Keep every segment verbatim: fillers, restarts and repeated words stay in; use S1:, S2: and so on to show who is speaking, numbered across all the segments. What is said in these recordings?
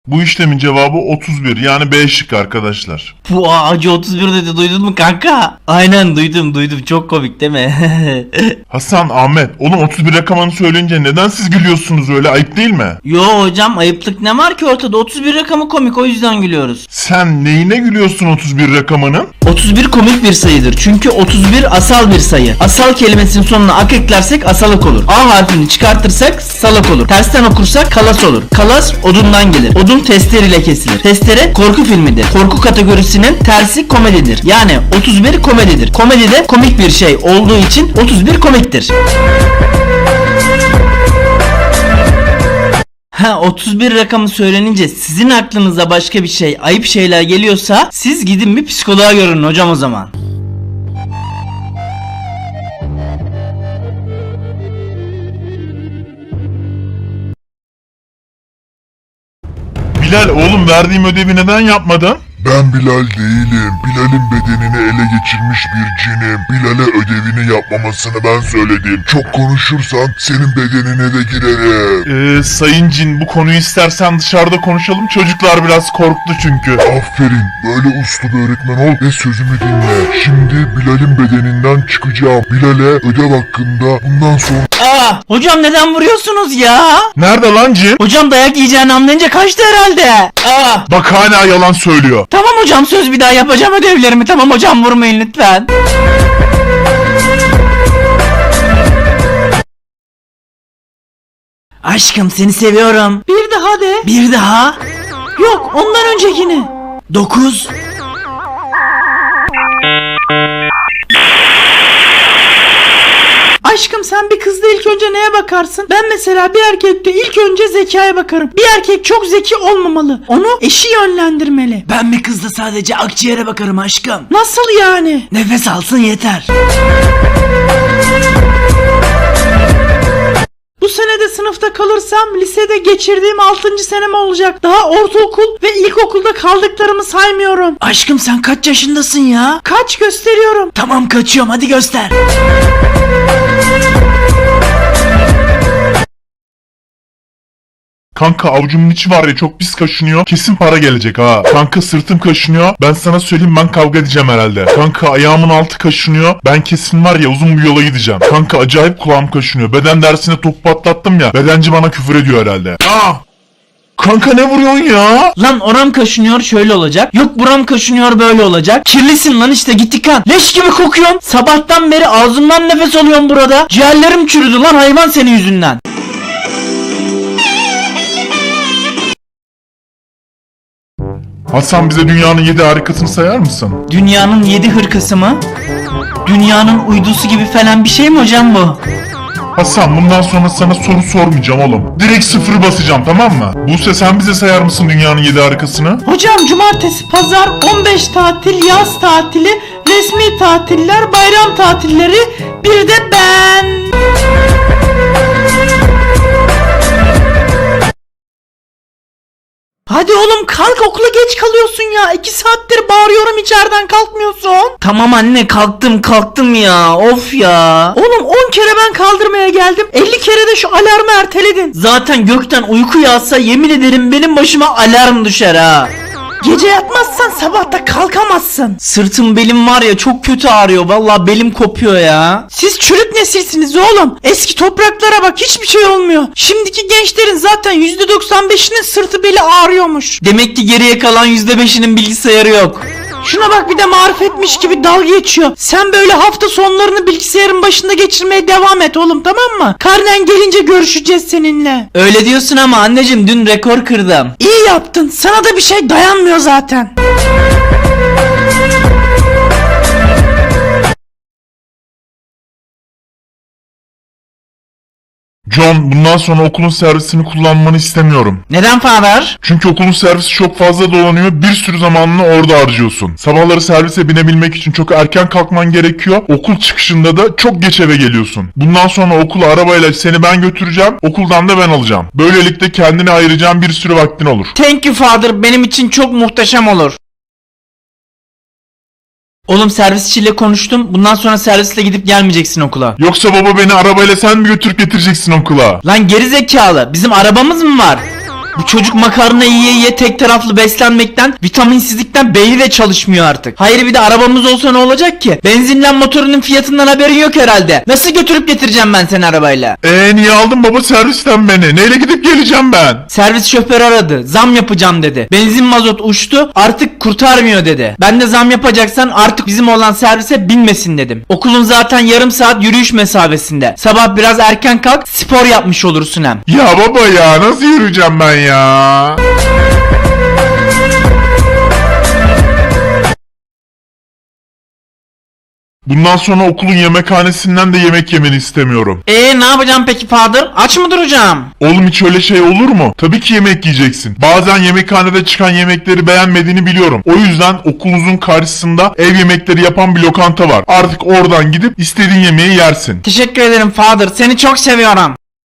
S1: Bu işlemin cevabı otuz bir, yani B şıkkı arkadaşlar.
S2: Bu acı otuz bir dedi, duydun mu kanka? Aynen duydum duydum, çok komik değil mi?
S1: Hasan, Ahmet, oğlum otuz bir rakamını söyleyince neden siz gülüyorsunuz öyle, ayıp değil mi?
S2: Yo hocam, ayıplık ne var ki ortada? otuz bir rakamı komik, o yüzden gülüyoruz.
S1: Sen neyine gülüyorsun otuz bir rakamının?
S2: otuz bir komik bir sayıdır çünkü otuz bir asal bir sayı. Asal kelimesinin sonuna ak eklersek asalık olur. A harfini çıkartırsak salak olur. Tersten okursak kalas olur. Kalas odundan gelir. Odun testereyle kesilir. Testere korku filmidir. Korku kategorisinin tersi komedidir. Yani otuz bir komedidir. Komedi de komik bir şey olduğu için otuz bir komiktir. Ha, otuz bir rakamı söylenince sizin aklınıza başka bir şey, ayıp şeyler geliyorsa siz gidin bir psikoloğa görün hocam o zaman.
S1: Bilal, oğlum verdiğim ödevi neden yapmadın?
S3: Ben Bilal değilim. Bilal'in bedenini ele geçirmiş bir cinim. Bilal'e ödevini yapmamasını ben söyledim. Çok konuşursan senin bedenine de girerim.
S1: Ee, sayın cin, bu konuyu istersen dışarıda konuşalım, çocuklar biraz korktu çünkü.
S3: Aferin. Böyle uslu bir öğretmen ol ve sözümü dinle. Şimdi Bilal'in bedeninden çıkacağım. Bilal'e ödev hakkında bundan sonra...
S2: Aa, hocam neden vuruyorsunuz ya?
S1: Nerede lan cin?
S2: Hocam dayak yiyeceğini anlayınca kaçtı herhalde. Aa.
S1: Bak hala yalan söylüyor.
S2: Tamam hocam, söz bir daha yapacağım ödevlerimi. Tamam hocam, vurmayın lütfen. Aşkım seni seviyorum. Bir daha de. Bir daha. Yok, ondan öncekini. Dokuz. Aşkım sen bir kızda ilk önce neye bakarsın? Ben mesela bir erkekte ilk önce zekaya bakarım. Bir erkek çok zeki olmamalı. Onu eşi yönlendirmeli. Ben bir kızda sadece akciğere bakarım aşkım. Nasıl yani? Nefes alsın yeter. Bu sene de sınıfta kalırsam lisede geçirdiğim altıncı senem olacak. Daha ortaokul ve ilkokulda kaldıklarımı saymıyorum. Aşkım sen kaç yaşındasın ya? Kaç gösteriyorum. Tamam, kaçıyorum, hadi göster.
S1: Kanka, avucumun içi var ya, çok pis kaşınıyor. Kesin para gelecek ha. Kanka, sırtım kaşınıyor. Ben sana söyleyeyim, ben kavga edeceğim herhalde. Kanka, ayağımın altı kaşınıyor. Ben kesin var ya uzun bir yola gideceğim. Kanka, acayip kulağım kaşınıyor. Beden dersine topu patlattım ya. Bedenci bana küfür ediyor herhalde. Aa! Kanka, ne vuruyorsun ya?
S2: Lan oram kaşınıyor şöyle olacak. Yok buram kaşınıyor böyle olacak. Kirlisin lan işte, git yıkan. Leş gibi kokuyorsun. Sabahtan beri ağzımdan nefes alıyorum burada. Ciğerlerim çürüdü lan hayvan senin yüzünden.
S1: Hasan, bize dünyanın yedi harikasını sayar mısın?
S2: Dünyanın yedi hırkası mı? Dünyanın uydusu gibi falan bir şey mi hocam bu?
S1: Hasan, bundan sonra sana soru sormayacağım oğlum. Direkt sıfır basacağım, tamam mı? Buse, sen bize sayar mısın dünyanın yedi harikasını?
S2: Hocam cumartesi, pazar, on beş tatil, yaz tatili, resmi tatiller, bayram tatilleri, bir de ben. Hadi oğlum kalk, okula geç kalıyorsun ya. iki saattir bağırıyorum, içeriden kalkmıyorsun. Tamam anne, kalktım kalktım ya, of ya. Oğlum on kere ben kaldırmaya geldim, elli kere de şu alarmı erteledin. Zaten gökten uyku yağsa yemin ederim benim başıma alarm düşer ha. Gece yatmazsan sabahta kalkamazsın. Sırtım belim var ya çok kötü ağrıyor. Vallahi belim kopuyor ya. Siz çürük nesilsiniz oğlum. Eski topraklara bak, hiçbir şey olmuyor. Şimdiki gençlerin zaten yüzde doksan beşinin sırtı beli ağrıyormuş. Demek ki geriye kalan yüzde beşinin bilgisayarı yok. Şuna bak, bir de marifetmiş gibi dalga geçiyor. Sen böyle hafta sonlarını bilgisayarın başında geçirmeye devam et oğlum, tamam mı? Karnen gelince görüşeceğiz seninle. Öyle diyorsun ama anneciğim, dün rekor kırdım. İyi yaptın. Sana da bir şey dayanmıyor zaten.
S1: John, bundan sonra okulun servisini kullanmanı istemiyorum.
S2: Neden Father?
S1: Çünkü okulun servisi çok fazla dolanıyor, bir sürü zamanını orada harcıyorsun. Sabahları servise binebilmek için çok erken kalkman gerekiyor. Okul çıkışında da çok geç eve geliyorsun. Bundan sonra okula arabayla seni ben götüreceğim, okuldan da ben alacağım. Böylelikle kendine ayıracağın bir sürü vaktin olur.
S2: Thank you Father, benim için çok muhteşem olur. Oğlum servisçiyle konuştum. Bundan sonra servisle gidip gelmeyeceksin okula.
S1: Yoksa baba beni arabayla sen mi götürüp getireceksin okula?
S2: Lan geri zekalı, bizim arabamız mı var? Bu çocuk makarna yiye yiye tek taraflı beslenmekten, vitaminsizlikten beyni de çalışmıyor artık. Hayır bir de arabamız olsa ne olacak ki? Benzinlen motorunun fiyatından haberin yok herhalde. Nasıl götürüp getireceğim ben seni arabayla?
S1: Eee niye aldın baba servisten beni? Neyle gidip geleceğim ben?
S2: Servis şoförü aradı. Zam yapacağım dedi. Benzin mazot uçtu. Artık kurtarmıyor dedi. Ben de zam yapacaksan artık bizim olan servise binmesin dedim. Okulun zaten yarım saat yürüyüş mesafesinde. Sabah biraz erken kalk, spor yapmış olursun hem.
S1: Ya baba ya nasıl yürüyeceğim ben ya? Bundan sonra okulun yemekhanesinden de yemek yemeni istemiyorum.
S2: Eee ne yapacağım peki Father? Aç mı duracağım?
S1: Oğlum hiç öyle şey olur mu? Tabii ki yemek yiyeceksin. Bazen yemekhanede çıkan yemekleri beğenmediğini biliyorum. O yüzden okulunuzun karşısında ev yemekleri yapan bir lokanta var. Artık oradan gidip istediğin yemeği yersin.
S2: Teşekkür ederim Father. Seni çok seviyorum.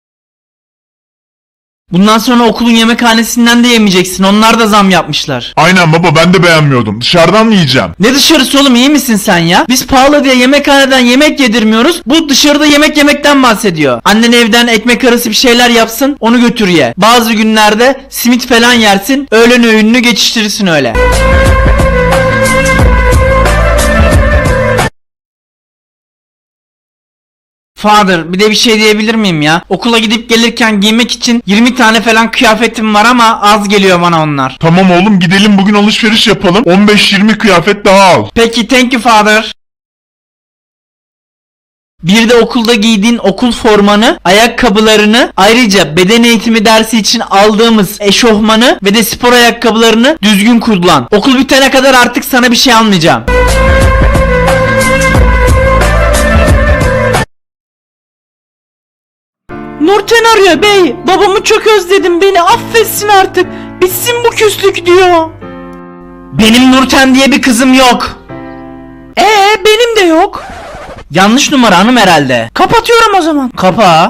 S2: Bundan sonra okulun yemekhanesinden de yemeyeceksin. Onlar da zam yapmışlar.
S1: Aynen baba ben de beğenmiyordum. Dışarıdan mı yiyeceğim?
S2: Ne dışarısı oğlum, iyi misin sen ya? Biz pahalı diye yemekhaneden yemek yedirmiyoruz. Bu dışarıda yemek yemekten bahsediyor. Annen evden ekmek arası bir şeyler yapsın, onu götür ye. Bazı günlerde simit falan yersin. Öğlen öğününü geçiştirirsin öyle. Father, bir de bir şey diyebilir miyim ya? Okula gidip gelirken giymek için yirmi tane falan kıyafetim var ama az geliyor bana onlar.
S1: Tamam oğlum gidelim bugün alışveriş yapalım. on beş yirmi kıyafet daha al.
S2: Peki, thank you Father. Bir de okulda giydiğin okul formanı, ayakkabılarını, ayrıca beden eğitimi dersi için aldığımız eşofmanı ve de spor ayakkabılarını düzgün kullan. Okul bitene kadar artık sana bir şey almayacağım. Nurten arıyor bey. Babamı çok özledim, beni affetsin artık. Bitsin bu küslük diyor. Benim Nurten diye bir kızım yok. Ee benim de yok. Yanlış numara hanım herhalde. Kapatıyorum o zaman. Kapa.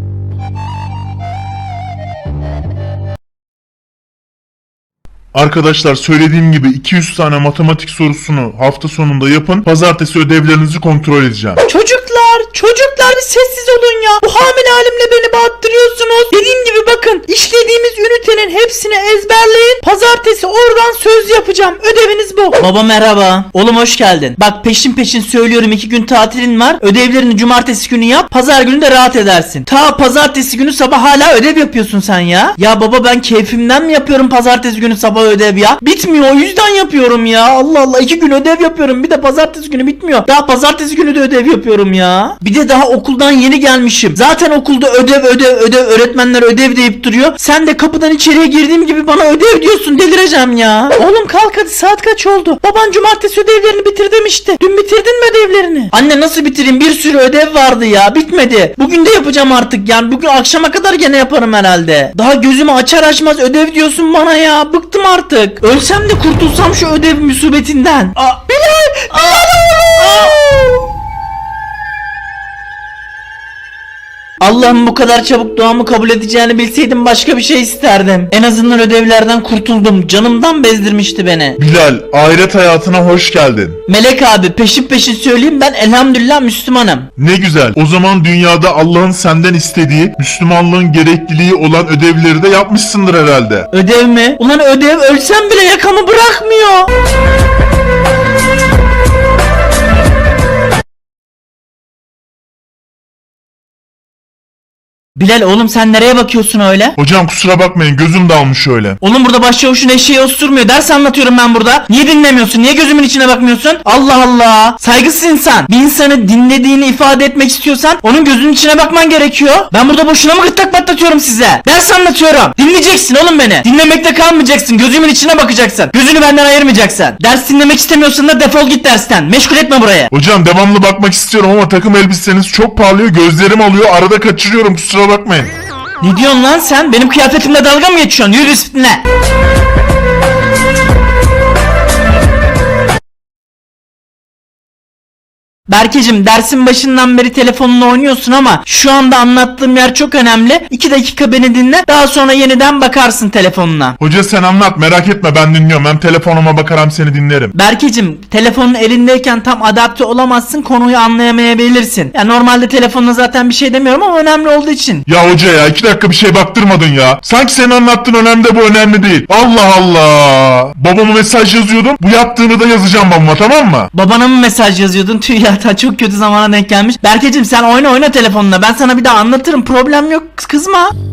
S1: Arkadaşlar söylediğim gibi iki yüz tane matematik sorusunu hafta sonunda yapın. Pazartesi ödevlerinizi kontrol edeceğim.
S2: Çocuklar, çocuklar bir sessiz olun ya. Bu hamile halimle beni bağırttırıyorsunuz. Dediğim gibi bakın, işlediğimiz ünitenin hepsini ezberleyin. Pazartesi oradan söz yapacağım. Ödeviniz bu. Baba merhaba. Oğlum hoş geldin. Bak peşin peşin söylüyorum, iki gün tatilin var. Ödevlerini cumartesi günü yap. Pazar günü de rahat edersin. Ta pazartesi günü sabah hala ödev yapıyorsun sen ya. Ya baba ben keyfimden mi yapıyorum pazartesi günü sabah ödev ya? Bitmiyor, o yüzden yapıyorum ya. Allah Allah, iki gün ödev yapıyorum. Bir de pazartesi günü bitmiyor. Daha pazartesi günü de ödev yapıyorum ya. Bir de daha okuldan yeni gelmişim. Zaten okulda ödev ödev ödev, öğretmenler ödev deyip duruyor. Sen de kapıdan içeriye girdiğim gibi bana ödev diyorsun, delireceğim ya. Oğlum kalk hadi, saat kaç oldu? Baban cumartesi ödevlerini bitir demişti. Dün bitirdin mi ödevlerini? Anne nasıl bitireyim? Bir sürü ödev vardı ya, bitmedi. Bugün de yapacağım artık, yani bugün akşama kadar gene yaparım herhalde. Daha gözümü açar açmaz ödev diyorsun bana ya. Bıktım artık. Ölsem de kurtulsam şu ödev musibetinden. Aa, Bilal! Bilal! Allah'ım bu kadar çabuk duamı kabul edeceğini bilseydim başka bir şey isterdim. En azından ödevlerden kurtuldum. Canımdan bezdirmişti beni.
S1: Bilal, ahiret hayatına hoş geldin.
S2: Melek abi, peşin peşin söyleyeyim, ben elhamdülillah Müslümanım.
S1: Ne güzel. O zaman dünyada Allah'ın senden istediği, Müslümanlığın gerekliliği olan ödevleri de yapmışsındır herhalde.
S2: Ödev mi? Ulan ödev ölsem bile yakamı bırakmıyor. Bilal oğlum sen nereye bakıyorsun öyle?
S1: Hocam kusura bakmayın gözüm dalmış öyle.
S2: Oğlum burada başçavuşun eşeği osurmuyor. Ders anlatıyorum ben burada. Niye dinlemiyorsun? Niye gözümün içine bakmıyorsun? Allah Allah. Saygısız insan. Bir insanı dinlediğini ifade etmek istiyorsan onun gözünün içine bakman gerekiyor. Ben burada boşuna mı gırtlak patlatıyorum size? Ders anlatıyorum. Dinleyeceksin oğlum beni. Dinlemekte kalmayacaksın. Gözümün içine bakacaksın. Gözünü benden ayırmayacaksın. Ders dinlemek istemiyorsan da defol git dersten. Meşgul etme buraya.
S1: Hocam devamlı bakmak istiyorum ama takım elbiseniz çok parlıyor, gözlerim alıyor, arada kaçırıyorum, kusura bakmayın.
S2: Ne diyorsun lan sen? Benim kıyafetimle dalga mı geçiyorsun? Yürü disipline. Berkeciğim dersin başından beri telefonla oynuyorsun ama şu anda anlattığım yer çok önemli. iki dakika beni dinle, daha sonra yeniden bakarsın telefonuna.
S1: Hoca sen anlat, merak etme, ben dinliyorum. Hem telefonuma bakarım seni dinlerim.
S2: Berkeciğim telefonun elindeyken tam adapte olamazsın, konuyu anlayamayabilirsin. Ya normalde telefonla zaten bir şey demiyorum ama önemli olduğu için.
S1: Ya hoca ya, iki dakika bir şey baktırmadın ya. Sanki senin anlattığın önemli de bu önemli değil. Allah Allah. Babama mesaj yazıyordum. Bu yaptığını da yazacağım babama, tamam mı?
S2: Babana mı mesaj yazıyordun? Tüh ya, ta çok kötü zamana denk gelmiş. Berkeciğim sen oyna oyna telefonla. Ben sana bir daha anlatırım. Problem yok. Kızma.